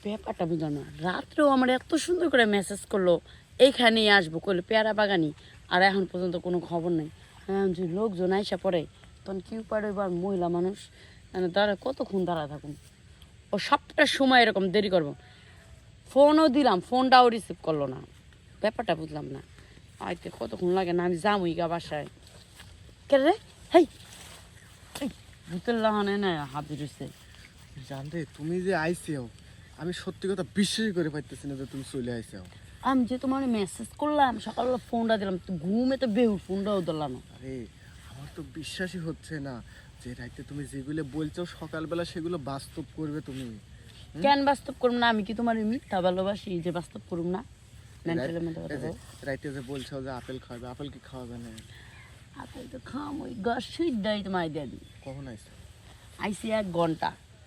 ব্যাপারটা বুঝলাম না, রাত্রেও আমার এত সুন্দর করে মেসেজ করলো এইখানেই আসবো করলো পেয়ারা বাগানি, আর এখন পর্যন্ত কোনো খবর নেই। হ্যাঁ, যদি লোকজন আইসা পড়ে তখন কি উপায় এবার মহিলা মানুষ মানে দাঁড়া কতক্ষণ দাঁড়া থাকুন, ও সবটা সময় এরকম দেরি করবো। ফোনও দিলাম, ফোনটাও রিসিভ করলো না, ব্যাপারটা বুঝলাম না। আইতে কতক্ষণ লাগে না, আমি যামই গা বাসায়। কে রে হেই ভূতের লাহানে না হাজির হয়েছে। জানতে তুমি যে আইসিও, আমি সত্যি কথা বিশ্বাসই করে পাইতেছি না যে তুমি চলে আইসিও। আমি যে তোমার মেসেজ করলাম সকালবেলা, ফোনটা দিলাম, ঘুমে তো বেহু, ফোনটাও ধরলাম। আরে আমার তো বিশ্বাসই হচ্ছে না যে রাইতে তুমি যেগুলো বলছো সকালবেলা সেগুলো বাস্তব করবে তুমি। কেন বাস্তব করুম না? আমি কি তোমার মিথ্যা ভালোবাসি যে বাস্তব করুম না? মেন্টালের মধ্যে কথা বল। রাইতে যে বলছো যে আপেল খাবে, আপেল কি খাওয়াবে না? আপেল তো খাম, ওই গাছ সুইটাই তোমায় দিয়ে দিই। কখন আইসো? আইসি 1 ঘন্টা।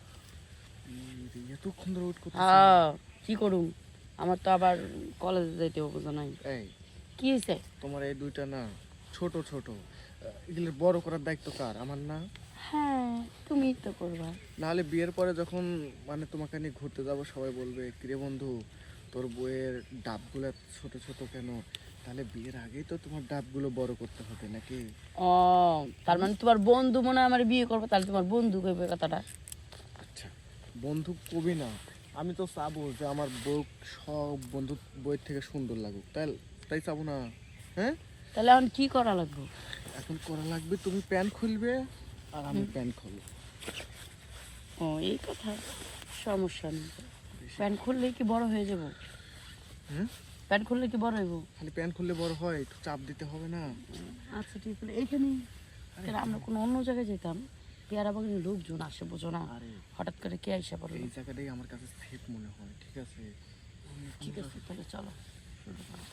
এতক্ষণ ধরে ওয়েট করতেছি। হ্যাঁ, কি করুম, আমার তো আবার কলেজে যাইতে হবে, বুঝো নাই? এই কি হয়েছে? তোমার এই দুইটা না ছোট ছোট, এগুলো বড় করার দায়িত্ব কার? আমার না? হ্যাঁ, তুমি তো করবা। নাহলে বিয়ের পরে যখন মানে তোমাকে নিয়ে ঘুরতে যাবো সবাই বলবে কিরে বন্ধু তোর বইয়ের ডাবগুলো ছোট ছোট কেন? তাহলে বিয়ের আগেই তো তোমার ডাবগুলো বড় করতে হবে নাকি? ও, তার মানে তোমার বন্ধু মনে হয় আমার বিয়ে করবে, তাহলে তোমার বন্ধু কইবে কথাটা। আচ্ছা, বন্ধু কবি না, আমি তো চাবো যে আমার বউ সব বন্ধু বইয়ের থেকে সুন্দর লাগুক, তাই তাই চাবো না? হ্যাঁ, তাহলে এখন কি করা লাগবে? এখন করা লাগবে তুমি প্যান্ট খুলবে আর আমি প্যান্ট খুলবো। ও, এই কথা, সমস্যা নেই। প্যান্ট খুললে কি বড় হয়ে যাব? হুম, প্যান্ট খুললে কি বড় হইব? খালি প্যান্ট খুললে বড় হয়? একটু চাপ দিতে হবে না? আচ্ছা ঠিক আছে, এইখানে আমরা কোনো অন্য জায়গায় যেতাম, পেয়ারা বাগানে লোকজন আসে, বোঝো না, আরে হঠাৎ করে কে আইসা পড়লো। এই জায়গাটাই আমার কাছে সেফ মনে হয়। ঠিক আছে, ঠিক আছে, তাহলে চলো শুরু করো।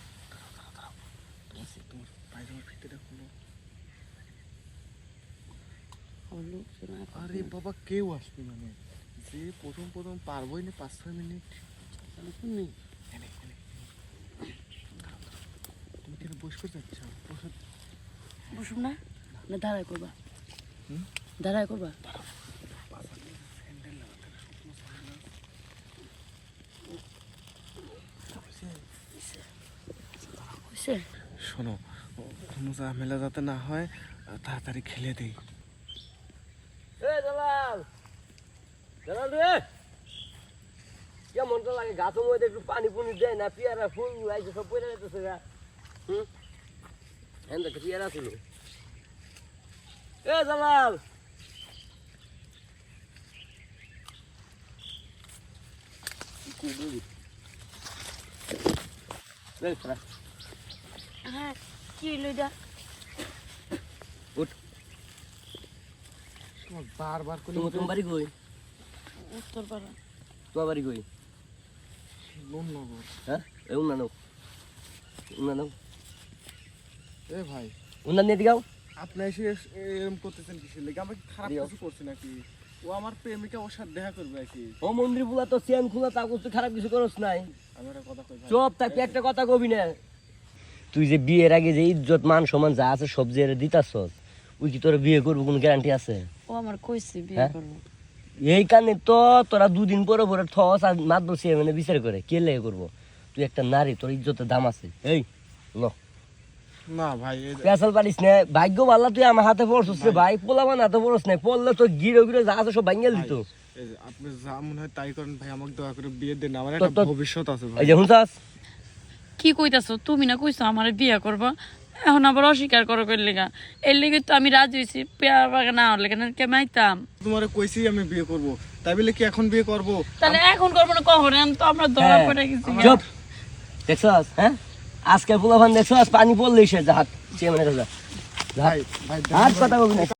তোমার পায়জামার ফিতেটা খুলো। আমার লোকজন আরে বাবা, কেউ আসবে মানে যে প্রথম প্রথম পারবোই না 5-6 মিনিট। নেই, এনে, এনে। তুমি কেন বস করে যাচ্ছ? বসো। বসুন না, না দাঁড়ায় করবা? হুম? দাঁড়ায় করবা? স্যান্ডেল লাগাতে হবে, শুকনো স্যান্ডেল। হয়েছে? শোনো, কোনো ঝামেলা যাতে না হয়, তাড়াতাড়ি খেলে দেই। দালাল দালাল রে, কেমনটা লাগে গাছের মধ্যে একটু পানি পুনি দেয় না? পেয়ারা ফুল আইছে সব পড়ে যেতেছে গা। হ্যাঁ, একটা পেয়ারা ছিল। এ দালাল, হ্যাঁ, কি হইলো এটা? তোমার বারবার করে তোমার বাড়ি কই? উত্তরপাড়া। তোমার বাড়ি কই? লোননগর। হ্যাঁ, এই উন্না নাও। এ ভাই, উন্না নিয়ে দিগাও। আপনি এসে এরকম করতেছেন কিসের লেগে? আমরা কি খারাপ দিও। কিছু করছি নাকি? ও আমার প্রেমিকা, ওর সাথে দেখা করবে আর কি। ও মন্দির বুলা তো চেন খোলা, তা করতে খারাপ কিছু করস নাই। আমি একটা কথা কই ভাই। চুপ থাকতে একটা কথা কবি না। তুই যে বিয়ের আগে যে ইজ্জত মান সম্মান যা আছে সব যে দিতাছস, ওই কি তোর বিয়ে করবো কোনো গ্যারান্টি আছে? ও আমার কইছে বিয়ে হ্যাঁ? করবো। এই কারণে তো তোরা দুদিন পরে পরে ঠস আর মাত বসে মানে বিচার করে কে লেগে করবো? তুই একটা নারী, তোর ইজ্জতের দাম আছে। এই ল না ভাই, পেশাল পারিস না, ভাগ্য ভাল্লা তুই আমার হাতে পড়ছিস রে ভাই, পোলামান হাতে পড়স না, পড়লে তো গিরো গিরো যা আছে সব ভাঙ্গেল দিত। এই যে আপনি যা মনে হয় তাই করেন ভাই, আমাকে দয়া করে বিয়ে দেন, আমার তো- একটা তো- ভবিষ্যৎ আছে ভাই। এই যে হুঁচাস, কি কইতাছো? তুমি না কইছো আমার বিয়ে করবা, এখন আবার অস্বীকার করো কইর লেগা? এর লেগে তো আমি রাজি হয়েছি, পেয়ারা বাগান না হলে কেন কেমাইতাম? তোমারে কইছি আমি বিয়ে করব, তাই বলে কি এখন বিয়ে করব? তাহলে এখন করবো না কখন? এখন তো আমরা ধরা হ্যাঁ। পড়ে গেছি। চুপ দেখছস? হ্যাঁ, আজকে পোলাপান দেখছস পানি পড়লেই সে জাহাজ সে মানে ভাই ভাই হাত কথা বলবি না।